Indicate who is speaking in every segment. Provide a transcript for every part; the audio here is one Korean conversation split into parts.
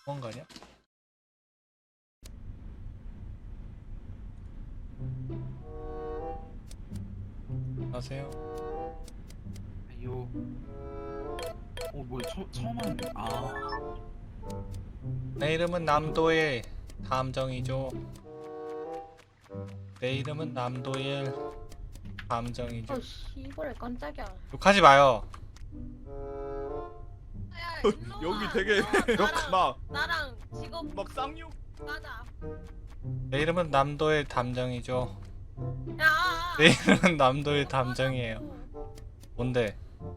Speaker 1: 도망가냐? 안녕하세요.
Speaker 2: 아유. 뭐야, 처음 하는데.
Speaker 1: 내 이름은 남도일 담정이죠. 내 이름은 남도일 담정이죠.
Speaker 3: 어 씨발 깜짝이야.
Speaker 1: 욕하지 마요.
Speaker 3: 야, 일로
Speaker 4: 여기
Speaker 3: 와.
Speaker 4: 되게 막
Speaker 3: 나랑 직업
Speaker 4: 쌍욕.
Speaker 3: 가자.
Speaker 1: 내 이름은 남도일 담정이죠.
Speaker 3: 야.
Speaker 1: 내 이름은 남도일 담정이에요. 뭔데?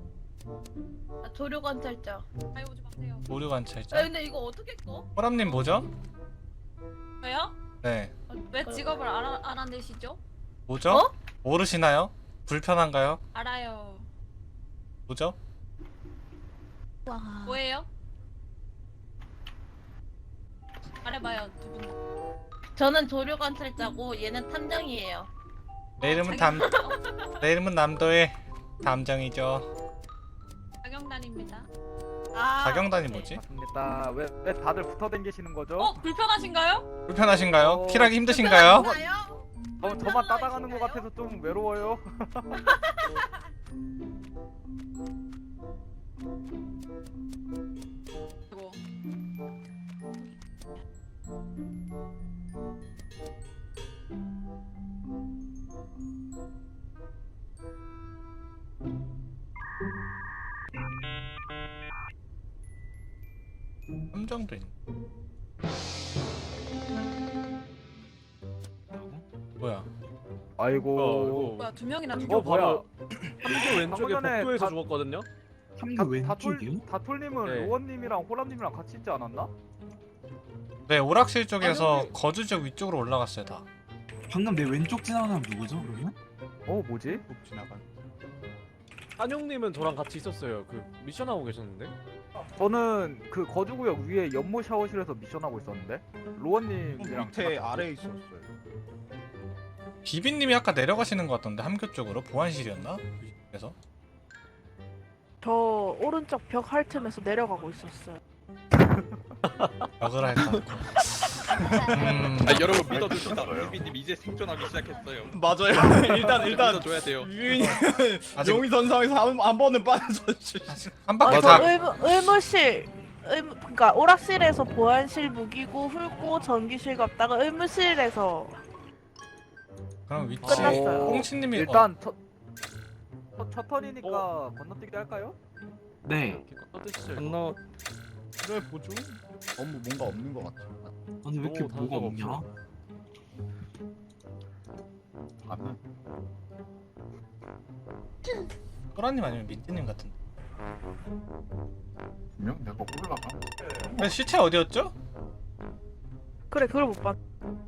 Speaker 3: 조류 관찰자.
Speaker 5: 아이 오지 마세요.
Speaker 1: 오류
Speaker 3: 야
Speaker 1: 관찰자?
Speaker 3: 근데 이거 어떻게 꺼?
Speaker 1: 호람님 뭐죠?
Speaker 5: 왜요?
Speaker 1: 네.
Speaker 5: 왜 직업을 알아내시죠?
Speaker 1: 뭐죠?
Speaker 3: 어?
Speaker 1: 모르시나요? 불편한가요?
Speaker 5: 알아요.
Speaker 1: 뭐죠?
Speaker 5: 뭐예요? 말해봐요 두 분 다.
Speaker 3: 저는 조류 관찰자고 얘는 탐정이에요.
Speaker 1: 내 이름은 내 이름은 남도일 담정이죠.
Speaker 5: 자경단입니다.
Speaker 3: 아.
Speaker 1: 자경단이
Speaker 3: 오케이.
Speaker 1: 뭐지?
Speaker 4: 맞습니다. 왜 다들 붙어 댕기시는 거죠?
Speaker 5: 불편하신가요?
Speaker 1: 불편하신가요? 킬하기 힘드신가요?
Speaker 3: 불편한가요?
Speaker 4: 저만 따라가는 것
Speaker 3: 불편하신가요?
Speaker 4: 같아서 좀 외로워요.
Speaker 5: 그리고
Speaker 1: 함정도 있네. 뭐야?
Speaker 4: 아이고.
Speaker 5: 뭐야 두 명이나
Speaker 4: 어 뭐야?
Speaker 6: 함교 왼쪽에
Speaker 4: 방금 전에
Speaker 6: 복도에서
Speaker 4: 다-
Speaker 6: 죽었거든요?
Speaker 2: 삼교 왼쪽이요?
Speaker 4: 다톨님은
Speaker 6: 네.
Speaker 4: 로원님이랑 호람님이랑 같이 있지 않았나?
Speaker 1: 네, 오락실 쪽에서 거주지역 위쪽으로 올라갔어요 다.
Speaker 2: 방금 내 왼쪽 지나간 사람 누구죠, 그러면?
Speaker 4: 뭐지?
Speaker 6: 지나간. 한용님은 저랑 같이 있었어요. 그 미션 하고 계셨는데.
Speaker 4: 저는 그 거주구역 위에 연못 샤워실에서 미션하고 있었는데 로원님이랑
Speaker 7: 밑에 아래에 있었어요.
Speaker 1: 비비님이 아까 내려가시는 것 같던데 함교 쪽으로 보안실이었나? 그래서
Speaker 8: 저 오른쪽 벽 핥으면서 내려가고 있었어요.
Speaker 1: 벽을 할까?
Speaker 7: 여러분 믿어줍시다. 유비님 이제 생존하기 시작했어요.
Speaker 6: 맞아요. 일단
Speaker 7: 믿어줘야 돼요.
Speaker 6: 유인이
Speaker 1: 아직
Speaker 6: 용의 선상에서 한 번은 빠져서
Speaker 1: 한 바퀴
Speaker 8: 저
Speaker 1: 다
Speaker 8: 의무실, 그러니까 오락실에서 보안실 무기고 훑고 전기실 갔다가 의무실에서
Speaker 1: 그럼 위치
Speaker 8: 끝났어요.
Speaker 1: 꽁치님이
Speaker 4: 일단 첫 턴이니까 건너뛰기 할까요?
Speaker 2: 네.
Speaker 6: 떠드시죠.
Speaker 7: 건너. 그래 보죠. 너무 뭔가 없는 것 같아.
Speaker 2: 아니 왜 이렇게
Speaker 6: 오,
Speaker 2: 뭐가
Speaker 6: 단서가
Speaker 2: 없냐?
Speaker 6: 없어.
Speaker 7: 아니.
Speaker 1: 호라님 아니면 민트님 같은데.
Speaker 7: 분명 내가 올라가.
Speaker 1: 근데 시체 어디였죠?
Speaker 8: 그래 그걸 못 봤.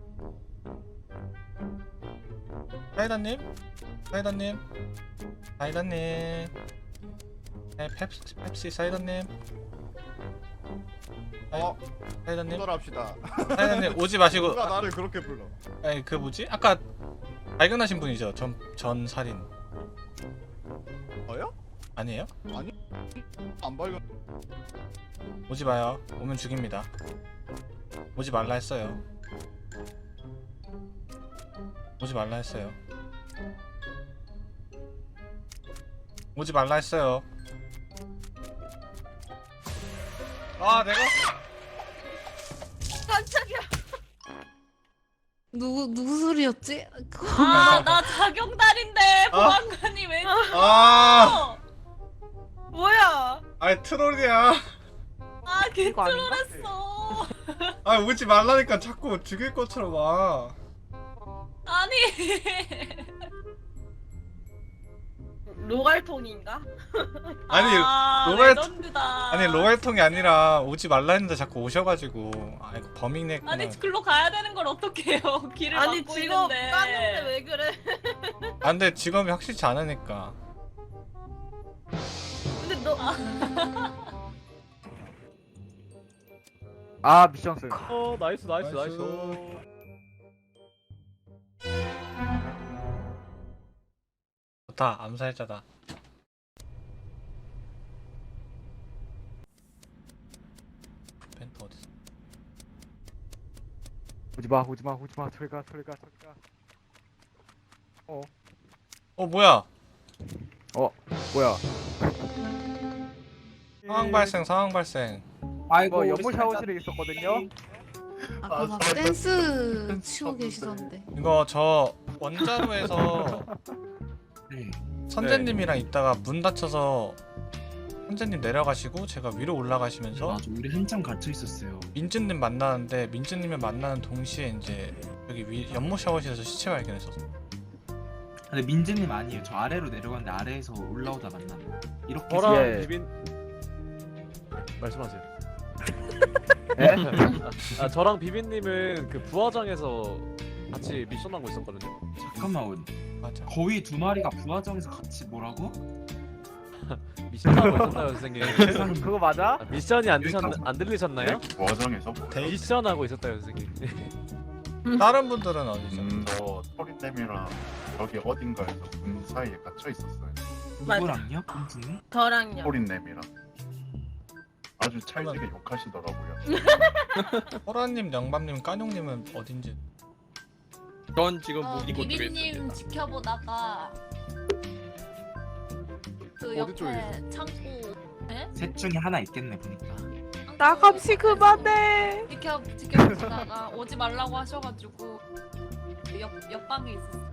Speaker 1: 사이다님? 사이다님? 사이다님? 네, 펩시 사이다님? 사이다님?
Speaker 7: 분열합시다.
Speaker 1: 사이다님 오지 마시고
Speaker 7: 누가 나를 그렇게 불러?
Speaker 1: 아니 그 뭐지? 아까 발견하신 분이죠? 전 살인
Speaker 7: 저요?
Speaker 1: 아니에요?
Speaker 7: 안 발견.
Speaker 1: 오지 마요. 오면 죽입니다. 오지 말라 했어요. 오지 말라 했어요. 오지 말라 했어요. 아 내가
Speaker 3: 깜짝이야.
Speaker 9: 누구 소리였지?
Speaker 5: 나 자경단인데 보안관이 왜?
Speaker 1: 아
Speaker 3: 뭐야?
Speaker 1: 아이 트롤이야.
Speaker 8: 이거 아닌가?
Speaker 5: 개트롤했어.
Speaker 1: 아 오지 말라니까 자꾸 죽일 것처럼 와.
Speaker 5: 아니.
Speaker 3: 로갈통인가?
Speaker 1: 아니 로갈-
Speaker 5: 레전드다.
Speaker 1: 아니 로얄통이 아니라 오지 말라 했는데 자꾸 오셔가지고 아 이거 범인했구나.
Speaker 5: 아니 글로 가야 되는 걸 어떻게 해요? 길을
Speaker 3: 아니
Speaker 5: 막고
Speaker 3: 직업
Speaker 5: 있는데.
Speaker 3: 까는데 왜 그래?
Speaker 1: 아, 근데 직업이 확실치 않으니까.
Speaker 3: 근데 너
Speaker 4: 미션 승.
Speaker 6: 나이스.
Speaker 1: 좋다 암살자다. 펜터 어딨어?
Speaker 4: 오지마 저리가
Speaker 1: 뭐야?
Speaker 4: 뭐야
Speaker 1: 상황 발생.
Speaker 4: 이거 연못 샤워실에 있었거든요.
Speaker 9: 아까 막 댄스 치고 계시던데.
Speaker 1: 이거 저 원자로에서
Speaker 2: 네.
Speaker 1: 선재님이랑 있다가 문 닫혀서 선재님 내려가시고 제가 위로 올라가시면서
Speaker 2: 맞아, 우리 한참 갇혀 있었어요.
Speaker 1: 민준님 만나는데 민준님을 만나는 동시에 이제 여기 연못 샤워실에서 시체 발견했었어.
Speaker 2: 근데 민재님 아니에요. 저 아래로 내려갔는데 아래에서 올라오다 만났나? 이렇게
Speaker 6: 저랑
Speaker 4: 예.
Speaker 6: 비빈 말씀하세요.
Speaker 4: 예?
Speaker 6: 저랑 비빈님은 그 부화장에서 같이 미션하고 있었거든요.
Speaker 2: 잠깐만,
Speaker 1: 맞아.
Speaker 2: 거위 두 마리가 부화장에서 같이 뭐라고?
Speaker 6: 미션하고 있었나요, 선생님?
Speaker 4: 그거 맞아?
Speaker 6: 미션이 안 들리셨나요?
Speaker 10: 와정에서 뭐
Speaker 6: 미션하고 있었다요, 선생님.
Speaker 1: 다른 분들은 어디죠?
Speaker 10: 저 토리댐이랑 여기 어딘가에서 문 사이에 갇혀 있었어요.
Speaker 2: 누구랑요? 민재님?
Speaker 3: 저랑요.
Speaker 10: 토리댐이랑 아주 찰지게 욕하시더라고요.
Speaker 1: 호라님, 영밤님, 까뇽님은 어딘지.
Speaker 7: 전 지금 무기고 쪽에
Speaker 5: 비비님
Speaker 7: 있습니다.
Speaker 5: 지켜보다가 그
Speaker 6: 어디 쪽에
Speaker 5: 옆에 창고
Speaker 2: 셋 중에 하나 있겠네 보니까.
Speaker 8: 나 감시 그만해.
Speaker 5: 지켜보다가 오지 말라고 하셔가지고 옆방에 있었어.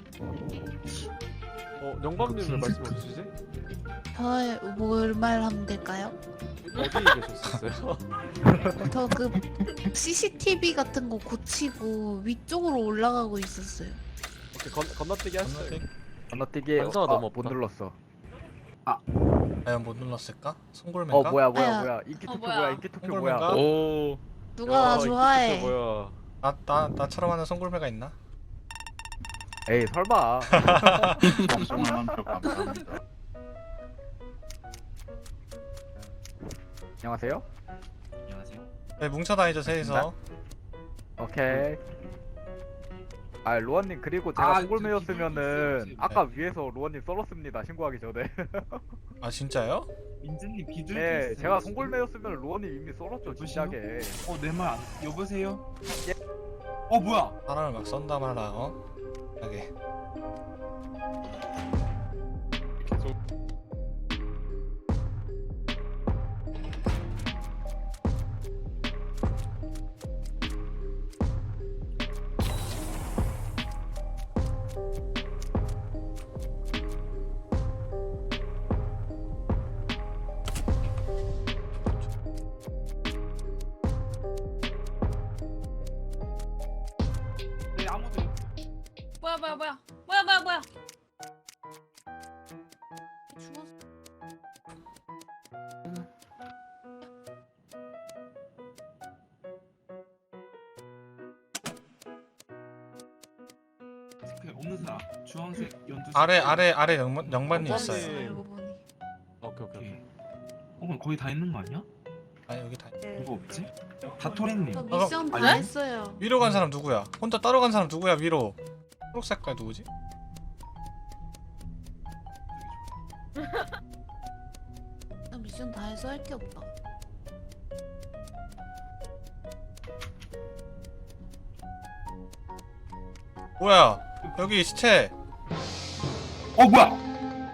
Speaker 6: 영광님 왜 말씀 없으시지?
Speaker 9: 뭘 말하면 될까요?
Speaker 6: 어디에 계셨었어요?
Speaker 9: 저 그 CCTV 같은 거 고치고 위쪽으로 올라가고 있었어요.
Speaker 6: 오케이, 건너뛰기 하시죠.
Speaker 4: 건너뛰기
Speaker 6: 단서가 너무
Speaker 4: 못
Speaker 6: 없다.
Speaker 4: 눌렀어.
Speaker 1: 과연 못 눌렀을까? 송골매인가?
Speaker 4: 뭐야 인기 투표
Speaker 5: 뭐야.
Speaker 4: 뭐야 인기 투표
Speaker 1: 송골매인가?
Speaker 4: 뭐야.
Speaker 7: 오.
Speaker 9: 누가 나 좋아해?
Speaker 6: 뭐야?
Speaker 1: 나처럼 하는 송골매가 있나?
Speaker 4: 에이 설마.
Speaker 10: 걱정을 한표 감사합니다.
Speaker 4: 안녕하세요.
Speaker 2: 안녕하세요.
Speaker 1: 네, 뭉쳐다니죠 셋이서.
Speaker 4: 오케이. 로아님 그리고 제가
Speaker 2: 아,
Speaker 4: 송골매였으면은
Speaker 2: 저
Speaker 4: 아까 위에서 로아님 썰었습니다. 신고하기 전에.
Speaker 1: 아 진짜요?
Speaker 2: 민재님 비둘기
Speaker 4: 네,
Speaker 2: 있어요.
Speaker 4: 제가 송골매였으면 로아님 이미 썰었죠
Speaker 2: 여보세요?
Speaker 4: 진작에.
Speaker 2: 내 말 안... 여보세요? 뭐야?
Speaker 1: 사람을 막 썬다 말라. 하게.
Speaker 7: 계속
Speaker 2: 네, 아무도
Speaker 5: 뭐야?
Speaker 9: 죽었어.
Speaker 2: 없는 사람. 주황색 연두.
Speaker 1: 아래 영반님
Speaker 6: 영반님.
Speaker 1: 있어요.
Speaker 9: 알고 보니.
Speaker 6: 오케이.
Speaker 2: 오케이. 그럼 거의 다 있는 거 아니야?
Speaker 1: 아 여기 다.
Speaker 2: 누가 없지? 다토리님.
Speaker 9: 저 미션 다
Speaker 2: 아니?
Speaker 9: 했어요.
Speaker 1: 위로 간 사람 누구야? 혼자 따로 간 사람 누구야? 위로. 초록 색깔 누구지?
Speaker 9: 나 미션 다 해서 할 게 없다.
Speaker 1: 뭐야? 여기 시체.
Speaker 2: 뭐야?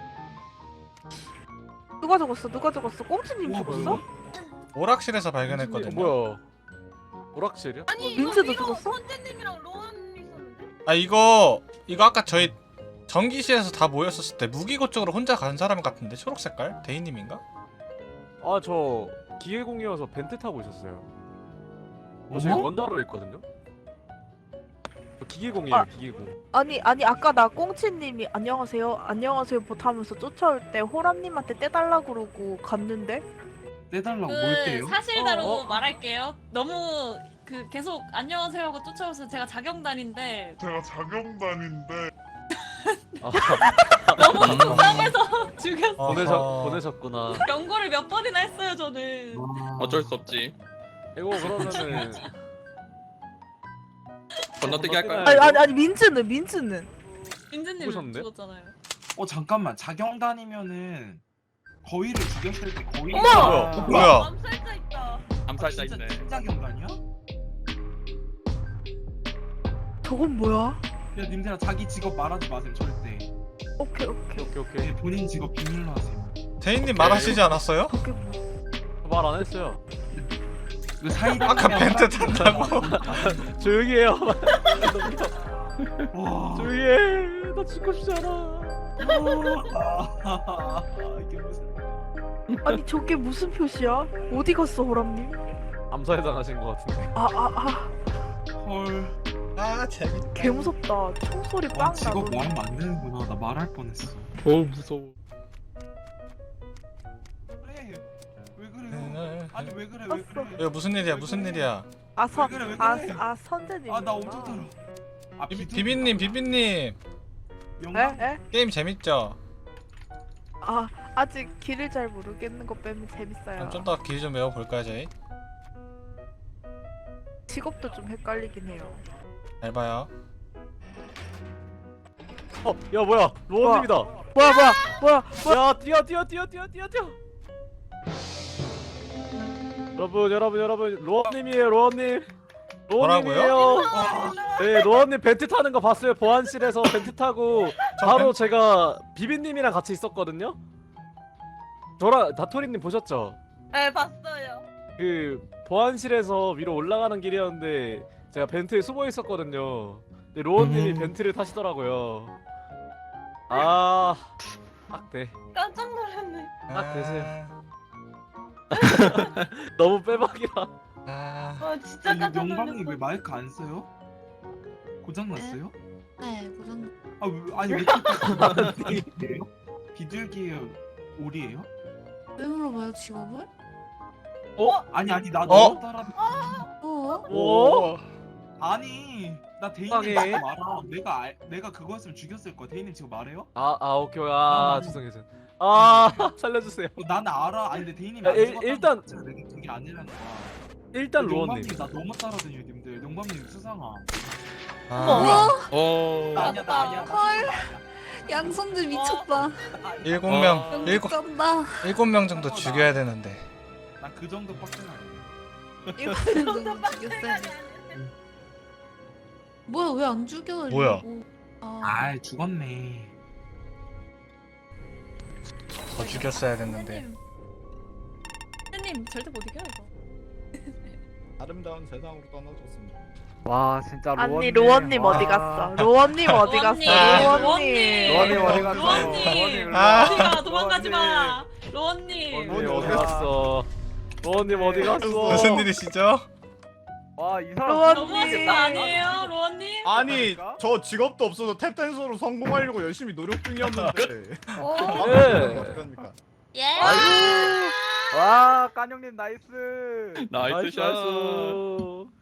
Speaker 8: 누가 죽었어? 꽁치님 죽었어?
Speaker 1: 오락실에서 발견했거든요.
Speaker 6: 뭐야? 오락실이요?
Speaker 3: 아니
Speaker 8: 민트도
Speaker 3: 이거 위로
Speaker 8: 죽었어?
Speaker 3: 선재님이랑 로운 있었는데.
Speaker 1: 아 이거 아까 저희 전기실에서 다 모였었을 때 무기고 쪽으로 혼자 간 사람 같은데 초록 색깔? 대인님인가?
Speaker 6: 저 기계공이어서 벤트 타고 있었어요. 지금 원자로 있거든요. 저 기계공이에요, 기계공.
Speaker 8: 아니 아까 나 꽁치님이 안녕하세요 못하면서 쫓아올 때 호람님한테 떼달라 그러고 갔는데
Speaker 2: 떼달라고 뭘 떼요?
Speaker 5: 사실대로 말할게요. 너무 계속 안녕하세요 하고 쫓아오면서 제가 자경단인데 너무 속상해서 죽였어.
Speaker 6: 보내셨구나.
Speaker 5: 경고를 몇 번이나 했어요 저는.
Speaker 7: 어쩔 수 없지.
Speaker 6: 이거 그러면은
Speaker 7: 건너뛰기 할까요?
Speaker 8: 아니 민트는
Speaker 5: 민트님
Speaker 6: 누구셨는데?
Speaker 5: 죽었잖아요.
Speaker 2: 잠깐만. 자경단이면은 거위를 죽였을 때 거위.
Speaker 3: 어머!
Speaker 1: 뭐야?
Speaker 3: 암살자 있다.
Speaker 7: 암살자
Speaker 2: 진짜
Speaker 7: 있네.
Speaker 2: 진짜 경단이야?
Speaker 8: 저건 뭐야?
Speaker 2: 야 님들아 자기 직업 말하지 마세요 절대.
Speaker 8: 오케이.
Speaker 2: 네, 본인 직업 비밀로 하세요.
Speaker 1: 대인님 말하시지 않았어요?
Speaker 8: 저게 뭐?
Speaker 6: 말 안 했어요.
Speaker 2: 그 사이다.
Speaker 1: 아까 벤트 탄다고.
Speaker 6: 조용히 해요.
Speaker 2: 와.
Speaker 6: 조용히 해. 나 죽고 싶지 않아.
Speaker 2: 이게 무슨?
Speaker 8: 아니 저게 무슨 표시야? 어디 갔어 호람님?
Speaker 6: 암살해 당하신 것 같은데.
Speaker 2: 헐.
Speaker 1: 아 재밌.
Speaker 8: 개 무섭다. 총소리 빵
Speaker 2: 직업
Speaker 8: 나고.
Speaker 2: 말하면 안 되는구나. 나 말할 뻔했어.
Speaker 6: 무서워.
Speaker 2: 그래. 왜 그래요? 아니 왜 그래? 왜 그래?
Speaker 1: 이거 무슨 일이야? 무슨 일이야?
Speaker 2: 왜 그래, 왜 그래?
Speaker 8: 선재님.
Speaker 2: 아 나 엄청 떨어. 아
Speaker 1: 비빈님
Speaker 2: 영광.
Speaker 8: 에?
Speaker 1: 게임 재밌죠?
Speaker 8: 아직 길을 잘 모르겠는 거 빼면 재밌어요.
Speaker 1: 그럼 좀 더 길 좀 외워볼까요 저희?
Speaker 8: 직업도 좀 헷갈리긴 해요.
Speaker 1: 잘 봐요.
Speaker 6: 야 뭐야? 로원님이다.
Speaker 8: 뭐야?
Speaker 6: 야 뛰어. 여러분 로원님이에요 로원님.
Speaker 1: 뭐라고요?
Speaker 6: 네 로원님 벤트 타는 거 봤어요. 보안실에서 벤트 타고 바로 제가 비빈님이랑 같이 있었거든요. 저랑 다토리님 보셨죠?
Speaker 3: 네 봤어요.
Speaker 6: 그 보안실에서 위로 올라가는 길이었는데 제가 벤트에 숨어 있었거든요. 근데 로원님이 벤트를 타시더라고요. 딱 돼.
Speaker 3: 깜짝 놀랐네.
Speaker 6: 딱 되세요. 너무 빼박이라.
Speaker 3: 와 진짜 깜짝
Speaker 2: 영광님 왜
Speaker 3: 놀랐어.
Speaker 2: 마이크 안 써요? 고장 났어요?
Speaker 9: 네, 고정.
Speaker 2: 아니 왜 이렇게 비둘기예요? 오리예요?
Speaker 9: 왜 물어봐요, 직업을?
Speaker 2: 아니 나
Speaker 1: 어?
Speaker 2: 너무 따라.
Speaker 6: 오?
Speaker 2: 아니 나
Speaker 6: 세상에.
Speaker 2: 대인님 지금 알아. 내가 그것을 죽였을 거야. 대인님 지금 말해요?
Speaker 6: 오케이. 죄송해요. 살려주세요.
Speaker 2: 나는 알아. 아니 근데 대인님이
Speaker 6: 야,
Speaker 2: 안 죽었다는
Speaker 6: 일단-
Speaker 2: 거 자체가 내가 그게 아니라는 거야.
Speaker 6: 일단 로원님.
Speaker 2: 용감님 나 너무 따라다녀 님들. 용감님 수상아.
Speaker 1: 아,
Speaker 2: 나 아니야.
Speaker 9: 헐. 양손들 미쳤다.
Speaker 1: 7명
Speaker 9: 미쳤다.
Speaker 1: 7명 정도 죽여야 되는데.
Speaker 2: 나 그 정도 빡센 아니야.
Speaker 9: 이거 정도 죽였어야 돼. 뭐야, 왜 안 죽여?
Speaker 1: 뭐야?
Speaker 2: 아 죽었네.
Speaker 1: 더 죽였어야 됐는데.
Speaker 5: 선생님 절대 못 이겨 이거.
Speaker 7: 아름다운 세상으로 떠나줬습니다.
Speaker 4: 와 진짜
Speaker 8: 아니 로원님 어디 갔어? 로원님 어디 갔어?
Speaker 5: 로원님.
Speaker 4: 로원님 어디 갔어?
Speaker 5: 로원님.
Speaker 1: 아.
Speaker 5: 어디가 도망가지 마. 로원님.
Speaker 6: 로원님 어디 갔어? 로원님 어디 갔어?
Speaker 1: 무슨 일이시죠?
Speaker 4: 와이 사람
Speaker 8: 로원님.
Speaker 5: 너무하신 거 아니에요, 로원님?
Speaker 7: 아니 저 직업도 없어서 탭댄서로 성공하려고 열심히 노력 중이었는데.
Speaker 6: 네.
Speaker 7: 어떡합니까?
Speaker 3: 예.
Speaker 4: 와 깐형님 나이스.
Speaker 6: 나이스 샷.